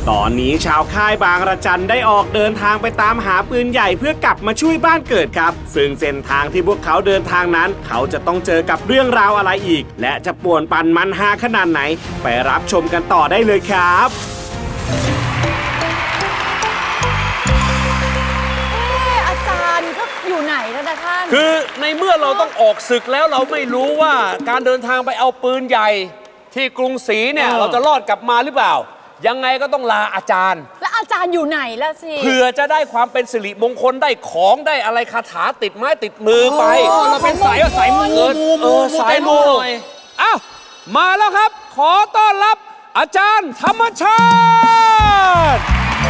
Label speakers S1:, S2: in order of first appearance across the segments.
S1: ตอนนี้ชาวค่ายบางระจันได้ออกเดินทางไปตามหาปืนใหญ่เพื่อกลับมาช่วยบ้านเกิดครับซึ่งเส้นทางที่พวกเขาเดินทางนั้นเขาจะต้องเจอกับเรื่องราวอะไรอีกและจะป่วนปั่นมันฮาขนาดไหนไปรับชมกันต่อได้เลยครับ
S2: อาจารย์ก็อยู่ไหนแล้วนะท่าน
S3: คือในเมื่อเราต้องออกศึกแล้วเราไม่รู้ว่าการเดินทางไปเอาปืนใหญ่ที่กรุงศรีเนี่ยเราจะรอดกลับมาหรือเปล่ายังไงก็ต้องลาอาจารย์
S2: แล้วอาจารย์อยู่ไหนล่ะสิ
S3: เพื่อจะได้ความเป็นสิริมงคลได้ของได้อะไรคาถาติดไม้ติดมือไป
S4: เราเป็นสายมู
S3: สายมูหน่อยอ้าวมาแล้วครับขอต้อนรับอาจารย์ธรรมชาติ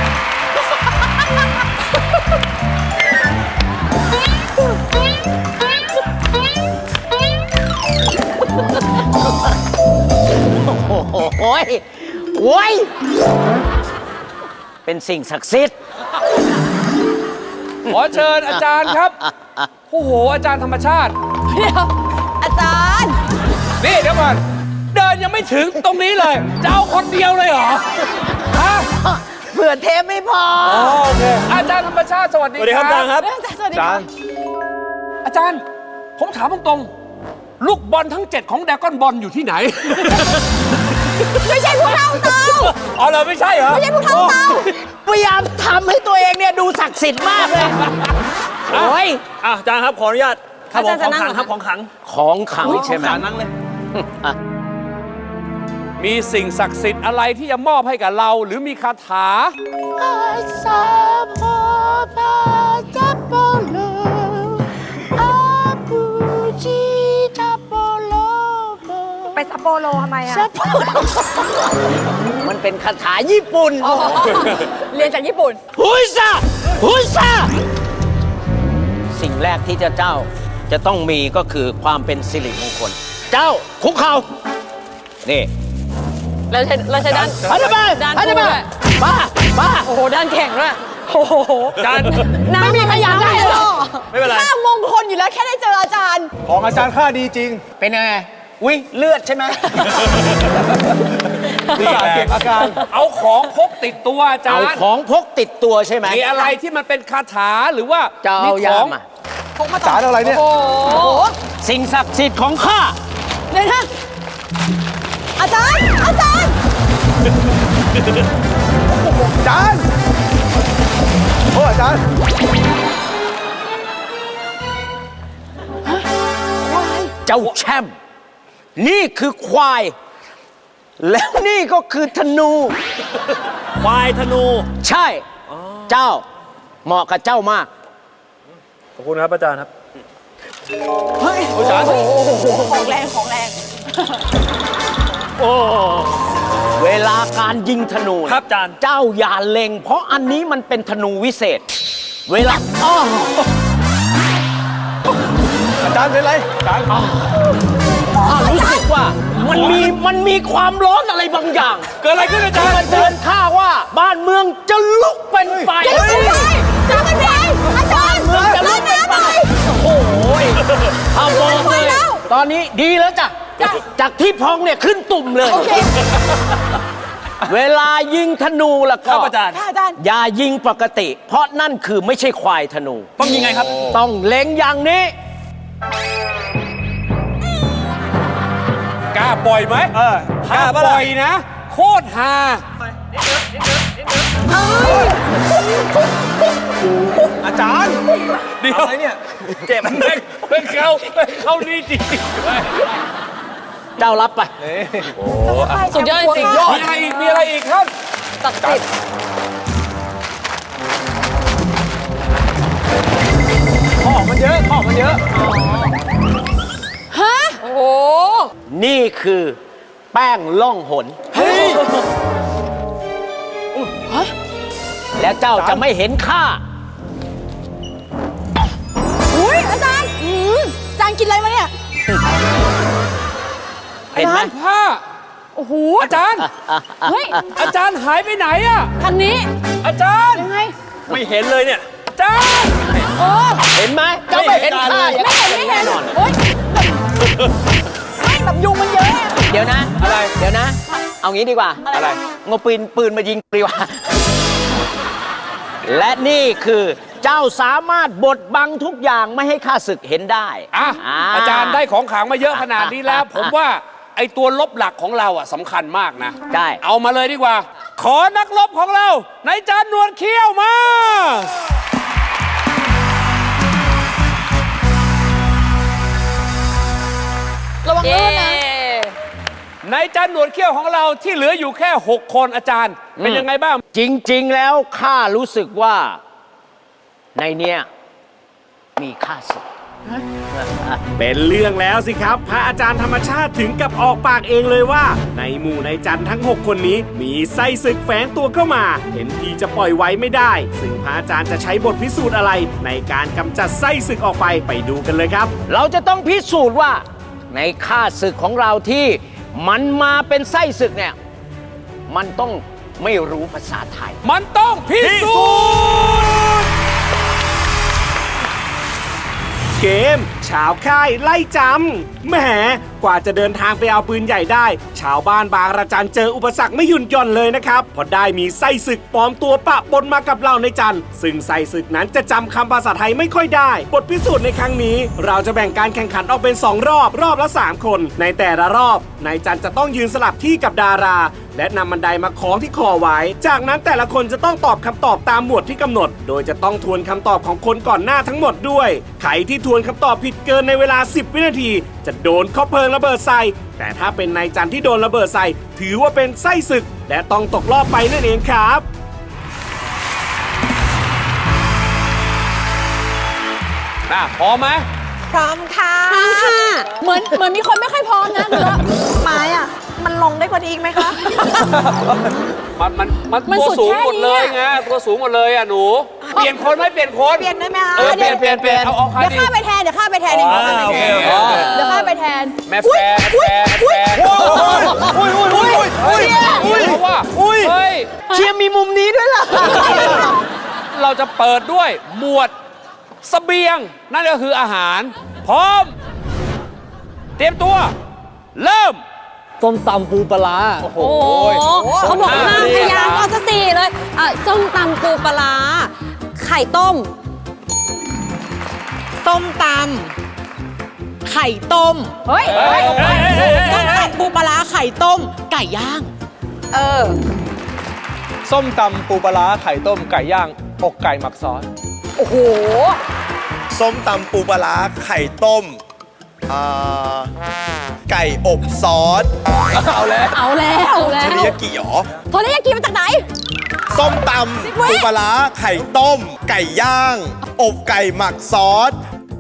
S4: โอ้ยเป็นสิ่งศักดิ์สิทธิ์
S3: ขอเชิญอาจารย์ครับโอ้โหอาจารย์ธรรมชาติ
S2: เดี๋ยวอาจารย์
S3: นี่เดี๋ยวก่อนเดินยังไม่ถึงตรงนี้เลยจะเอาคนเดียวเลยเหรอฮะ
S4: เผื่อเทปไม่พอ
S3: โอเคอาจารย์ธรรมชาติสวัสดีครับอาจารย์ครับ
S2: สวัสดีครับ
S3: อาจารย์ผมถามตรงๆลูกบอลทั้ง7ของแดกอนบอลอยู่ที่ไหน
S2: ไม่ใช่ผู้เท่าเตา
S3: อ๋อเราไม่ใช่เหรอ
S2: ไม่ใช่ผู้เท่าเตา
S4: พยายามทำให้ตัวเองเนี่ยดูศักดิ์สิทธิ์มากเลยโอ้ย
S3: อาจารย์ครับขออนุญาตครับของขังครับของขัง
S4: ใช่ไหม
S3: นั่งเลยมีสิ่งศักดิ์สิทธิ์อะไรที่จะมอบให้กับเราหรือมีคาถา
S2: ไปซัปโปโรทำไมอะ
S4: มันเป็นคาถาญี่ปุ่น
S2: เรียนจากญี่ปุ่น
S4: ฮุยซาสิ่งแรกที่เจ้าจะต้องมีก็คือความเป็นสิริมงคลเจ้าคุกเข่านี่
S2: เราใช้ด้าน
S4: ด้านบ้า
S2: โอ้โหด้านแข็งด้วยโอ้โห
S3: ด้าน
S2: ไม่มีขยันได้เลย
S3: ไม่เป็นไร
S2: ข้ามงคลอยู่แล้วแค่ได้เจออาจารย์
S5: ของอาจารย์ค่าดีจริง
S4: เป็นยังไงอุ้ยเลือดใช่ไหม
S5: เก็บอาการ
S3: เอาของพกติดตัวอาจารย์
S4: เอาของพกติดตัวใช่ไหม
S3: มีอะไรที่มันเป็นคาถาหรือว่า
S4: มีของ
S2: พกมา
S5: อาจารย์อะไรเนี่ย
S2: โอ้โห
S4: สิ่งศักดิ์สิทธิ์ของข้า
S2: เลยนะอาจารย์
S5: อาจารย์โอ้อาจารย์
S4: เจ้าแชมป์นี่คือควายแล้วนี่ก็คือธนู
S3: ควายธนู
S4: ใช่เจ้าเหมาะกับเจ้ามาก
S3: ขอบคุณครับอาจารย์ครับ
S2: เฮ้ยอาจารย์ของแรง
S4: โอ้เวลาการยิงธนู
S3: ครับอาจารย์
S4: เจ้าอย่าเล็งเพราะอันนี้มันเป็นธนูวิเศษเวลา
S5: อาจารย์เป็นไรอาจารย์
S4: รู้สึกว่ามันมีความร้อนอะไรบางอย่าง
S3: เกิดอะไรขึ้นอาจารย์
S4: เตือนข้าว่าบ้านเมืองจะลุกเป็นไฟ
S2: จะมันเป็นอาจารย์
S4: เมืองจะลุกเป็นไฟโอ้ยข้าบอกเลยตอนนี้ดีแล้วจ้ะจากที่พองเนี่ยขึ้นตุ่มเลยเวลายิงธนูล่ะก็
S3: อาจารย์
S4: อย่ายิงปกติเพราะนั่นคือไม่ใช่ควายธนู
S3: ต้องยิงไงครับ
S4: ต้องเล็งอย่างนี้
S3: กล้าปล่อยไหมกล้าปล่อยนะโคตรฮา
S5: อาจารย์
S3: เดี๋ยวอะไรเนี่ยเจ็บไม่เข้านี่จริง
S4: เจ้ารับไป
S3: โอ้
S2: สุดยอดจริง
S3: มีอะไรอีกครับ
S2: ศักดิ์สิทธิ์
S5: ของมันเยอะ
S2: ฮะโอ้โห
S4: นี่คือแป้งล่องหนแล้วเจ้าจะไม่เห็นข้า
S2: อุ้ยอาจารย์อาจารย์กินอะไรมาเนี่ย
S4: เห็นไหม
S3: ผ้า
S2: โอ้โห
S3: อาจารย์เฮ้ยอาจารย์หายไปไหนอะ
S2: ทางนี้
S3: อาจารย์
S2: ยังไง
S3: ไม่เห็นเลยเนี่ยอาจารย์
S4: เห็นไหมเจ้าไม่เห็นข้า
S2: ไม่เห็นโอ๊ยไม่แบบยุงมันเยอะ
S4: เดี๋ยวนะ
S3: อะไร
S4: เดี๋ยวนะเอางี้ดีกว่า
S3: อะไร
S4: งบปืนมายิงดีกว่า และนี่คือเจ้าสามารถบดบังทุกอย่างไม่ให้ข้าศึกเห็นได้
S3: อาจารย์ได้ของขลังมาเยอะขนาดนี้แล้ว ผมว่าไอ้ตัวลบหลักของเราสำคัญมากนะ
S4: ได้
S3: เอามาเลยดีกว่า ขอนักรบของเรานายจานหนวดเขี้ยวมา
S2: ระวังลื่นนะ
S3: นายจานหนวดเขี้ยวของเราที่เหลืออยู่แค่ 6 คนอาจารย์ เป็นยังไงบ้าง
S4: จริง ๆ แล้วข้ารู้สึกว่า ในเนี้ยมีข้าศึก
S1: เป็นเรื่องแล้วสิครับ พระอาจารย์ธรรมชาติถึงกับออกปากเองเลยว่า ในหมู่นายจันทั้ง 6 คนนี้มีไส้ศึกแฝงตัวเข้ามา เห็นทีจะปล่อยไว้ไม่ได้ ซึ่งพระอาจารย์จะใช้บทพิสูจน์อะไร ในการกำจัดไส้ศึกออกไปดูกันเลยครับ
S4: เราจะต้องพิสูจน์ว่า ในข้าศึกของเราที่มันมาเป็นไส้ศึกเนี่ย มันต้องไม่รู้ภาษาไทย
S3: มันต้องพิสูจน์
S1: เกมชาวค่ายไล่จำแหมกว่าจะเดินทางไปเอาปืนใหญ่ได้ ชาวบ้านบางระจันเจออุปสรรคไม่หยุดหย่อนเลยนะครับเพราะได้มีไส้ศึกปลอมตัวปะปนมากับเราในจันซึ่งไส้ศึกนั้นจะจำคำภาษาไทยไม่ค่อยได้บทพิสูจน์ในครั้งนี้ เราจะแบ่งการแข่งขันออกเป็น2 รอบละ 3 คน ในแต่ละรอบนายจันจะต้องยืนสลับที่กับดารา และนำบันไดมาคล้องที่คอไว้ จากนั้นแต่ละคนจะต้องตอบคำตอบตามหมวดที่กำหนด โดยจะต้องทวนคำตอบของคนก่อนหน้าทั้งหมดด้วย ใครที่ทวนคำตอบผิดเกินในเวลา 10 วินาที จะโดนข้อเพลิงระเบิดใส่ แต่ถ้าเป็นนายจันที่โดนระเบิดใส่ ถือว่าเป็นไส้ศึก และต้องตกรอบไปนั่นเองครับ
S3: พร้อมไหม
S2: พร้อมค่ะเหมือนมีคนไม่ค่อยพร้อมนะหรือว่าไม้อ่ะ มันลงได้กว่านี้อีกไหมคะ
S3: มัน
S2: มัน
S3: ตัว
S2: สุด
S3: สูง
S2: แค่
S3: หมด
S2: นี้
S3: เลย
S2: อะ
S3: ไงตัวสูงหมดเลยหนู เปลี่ยนคนไหมเปลี่ยนคน
S2: เปลี่ยนได้ไหมคะ
S3: เปลี่ยนเอาใคร
S2: เดี๋ยว
S3: ดี
S2: ข้าไปแทนเดี๋ยวข้าไปแทนเดี๋ยวข้าไปแทน
S3: โอเค
S2: เดี๋ยวข้าไปแทน
S3: แม่แฟร์เพราะว่าเฮ้ย
S4: เชียร์มีมุมนี้ด้วยล่ะ
S3: เราจะเปิดด้วยหมวดเสบียง นั่นก็คืออาหาร พร้อม เตรียมตัว เริ่ม
S5: ส้มตำปูปลาร้า
S3: โอ้โห
S2: เขาบอกห้ามพยางค์เอาซะ4เลยส้มตำปูปลาร้าไข่ต้ม ส้มตำไข่ต้ม เฮ้ยส้มตำปูปลาร้าไข่ต้ม ไก่ย่าง
S5: ส้มตำปูปลาร้าไข่ต้มไก่ย่างอกไก่หมักซอส
S2: โอ้โห
S6: ส้มตำปูปลาร้าไข่ต้มไก่อบซอส
S2: เอาแล้ว
S6: เทริยากิหรอ
S2: โทรเรียกกินมาจากไหน
S6: ส้มตำปูปลาร้าไข่ต้ม ไก่ย่าง อบไก่หมักซอส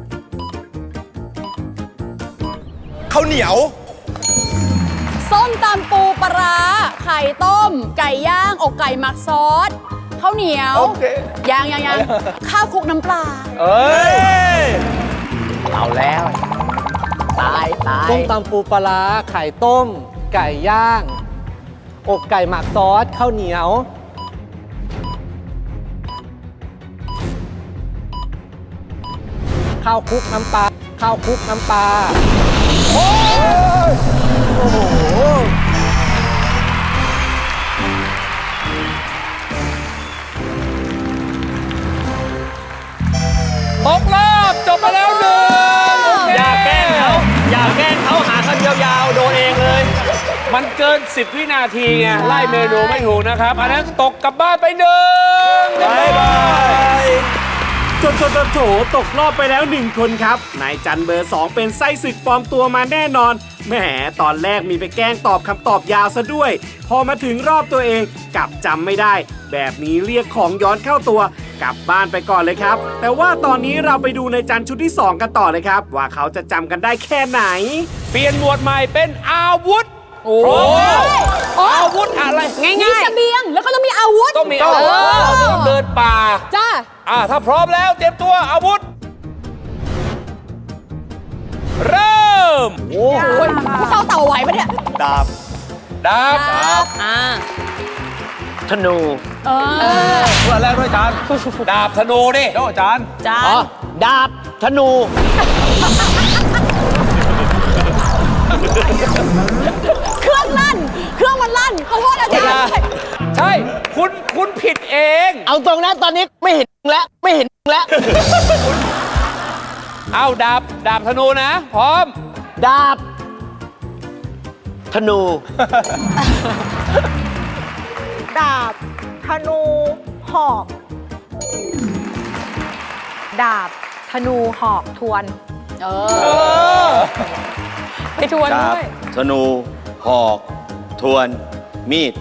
S6: ข้าวเหนียว
S2: ส้มตำปูปลาร้าไข่ต้ม ไก่ย่างอกไก่หมักซอสข้าวเหนียว
S5: โอเค
S2: ยังข้าวคลุกน้ำปลา
S5: เอ้ย
S4: เอาแล้ว ตาย
S5: ส้มตำปูปลาร้าไข่ต้ม ไก่ย่างอกไก่หมักซอสข้าวเหนียว ข้าวคลุกน้ำปลาข้าวคลุกน้ำปลาโอ้โห
S3: ตกรอบจบไปแล้วหนึ่ง
S1: อย่าแกล้งเขาหาคำยาวๆโดนเองเลย
S3: มันเกิน 10 วินาทีไง ไล่เมนูไม่ถูกนะครับ อันนั้นตกกลับบ้านไปหนึ่ง
S6: บ๊ายบาย
S1: โถตกรอบไปแล้ว1 คนครับ นายจันเบอร์ 2 เป็นไส้ศึกปลอมตัวมาแน่นอน แหมตอนแรกมีไปแกล้งตอบคำตอบยาวซะด้วย พอมาถึงรอบตัวเองกลับจำไม่ได้ แบบนี้เรียกของย้อนเข้าตัวกลับบ้านไปก่อนเลยครับ แต่ว่าตอนนี้เราไปดูนายจันชุดที่ 2 กันต่อเลยครับ ว่าเขาจะจำกันได้แค่ไหน
S3: เปลี่ยนหมวดใหม่เป็นอาวุธ
S2: โอ้
S3: พร้อมแล้วอาวุธอะไร
S2: มีเสบียงแล้วก็ต้องมีอาวุธ
S3: ต้องมีอาวุธเราต้องเดินป่า
S2: จ้า
S3: ถ้าพร้อมแล้วเตรียมตัวอาวุธ เริ่ม
S2: โอ้ยเต่าไหวปะเนี่ย
S6: ดาบ
S3: ดาบ
S4: ธนู
S5: เพื่อแรกด้วยจาน
S3: ดาบธนูดิ
S5: โจ้จาน
S4: อ๋อ ดาบ ธนู
S2: เครื่องลั่น เครื่องมันลั่น
S3: ใช่ คุณผิดเอง
S4: เอาตรงนะตอนนี้ไม่เห็นแล้ว ไม่เห็นแล้ว
S3: เอาดาบธนูนะ พร้อม
S4: ดาบ ธนู
S7: ดาบ ธนู หอก ดาบ ธนู หอก ทวน
S2: เออ ไปทวนด้วย
S8: ธนู หอก ทวน มีด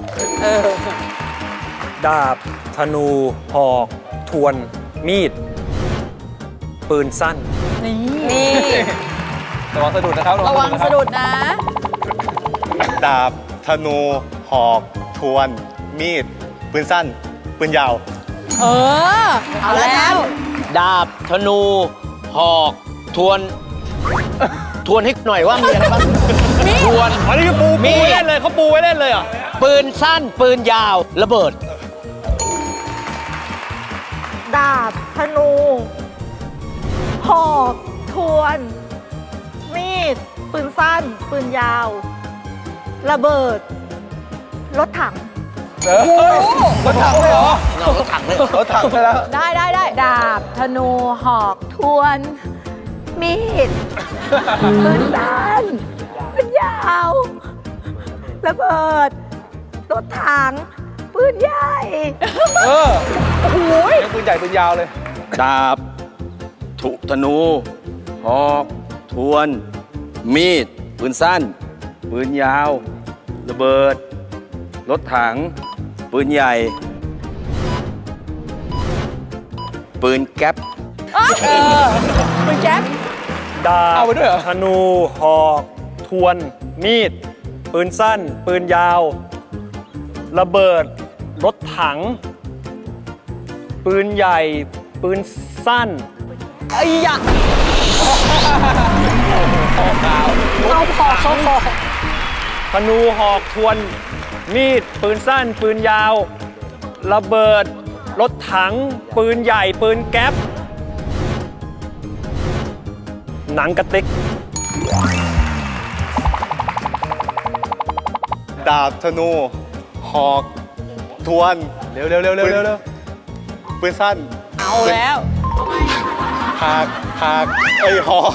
S5: ดาบ ธนู หอก ทวน มีด ปืนสั้น
S2: นี่
S5: ระวังสะดุดนะครับ
S2: ระวังสะดุดนะ
S6: ดาบ ธนู หอก ทวน มีด ปืนสั้น ปืนยาว
S2: เออ เอาแล้ว
S4: ดาบ ธนู หอก ทวน ทวนให้หน่อยว่ามีอะไรบ้าง ทวน
S3: อันนี้คือปูไว้เล่นเลยเขาปูไว้เล่นเลยเหรอ
S4: ปืนสั้น ปืนยาว ระเบิด
S7: ดาบ ธนู หอก ทวน มีด ปืนสั้น ปืนยาว ระเบิด รถถัง
S3: รถถังเลยเหรอ
S4: เราก็ถังเลย
S6: รถถังไปแล้ว
S2: ได้
S7: ดาบ ธนู หอก ทวน มีด ปืนสั้น ปืนยาว ระเบิด รถถัง ปืนใหญ่
S3: ปืนใหญ่ปืนยาวเลย
S8: ดาบ ธนู หอก ทวน มีด ปืนสั้น ปืนยาว ระเบิด รถถัง ปืนใหญ่ ปืนแก๊ป
S2: ปืนแก๊ป
S5: ดาบ
S3: เอาไปด้วยเหรอ
S5: ธนู หอก ทวน มีด ปืนสั้น ปืนยาว ระเบิด รถถัง ปืนใหญ่ ปืนสั้น
S2: ไอ้ยะเอาพอเขาพอ
S5: ธนู หอก ทวน มีด ปืนสั้น ปืนยาว ระเบิด รถถัง ปืนใหญ่ ปืนแก๊ป หนังกระติก
S6: ดาบ ธนู หอก ทวน เร็วปืนสั้น
S2: เอาแล้ว
S6: หากหอก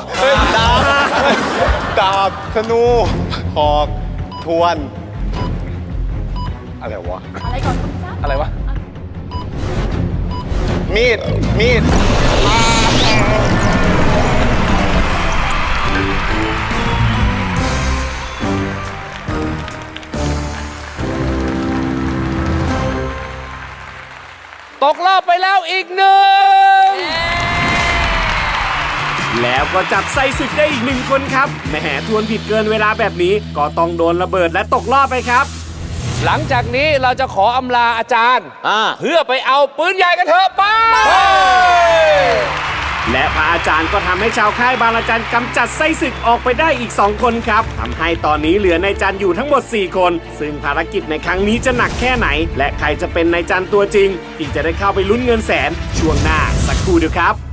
S6: ดาบ ธนู หอก ทวน อะไรวะ
S2: อะไรก่อน
S3: อะไรวะ
S6: มีด
S3: ตกรอบไปแล้วอีกหนึ่ง
S1: แล้วก็จับไส้ศึกได้อีก1 คนครับแหมทวนผิดเกินเวลาแบบนี้ก็ต้องโดนระเบิดและตกรอบไปครับ
S3: หลังจากนี้เราจะขออำลาอาจารย์ เพื่อไปเอาปืนใหญ่กันเถอะไป
S1: และพระอาจารย์ก็ทำให้ชาวค่ายบางระจันกำจัดไส้ศึกออกไปได้อีก2 คนครับทำให้ตอนนี้เหลือนายจันอยู่ทั้งหมด4 คน ซึ่งภารกิจในครั้งนี้จะหนักแค่ไหน และใครจะเป็นนายจันตัวจริงที่จะได้เข้าไปลุ้นเงินแสนช่วงหน้าสักครู่เดียวครับ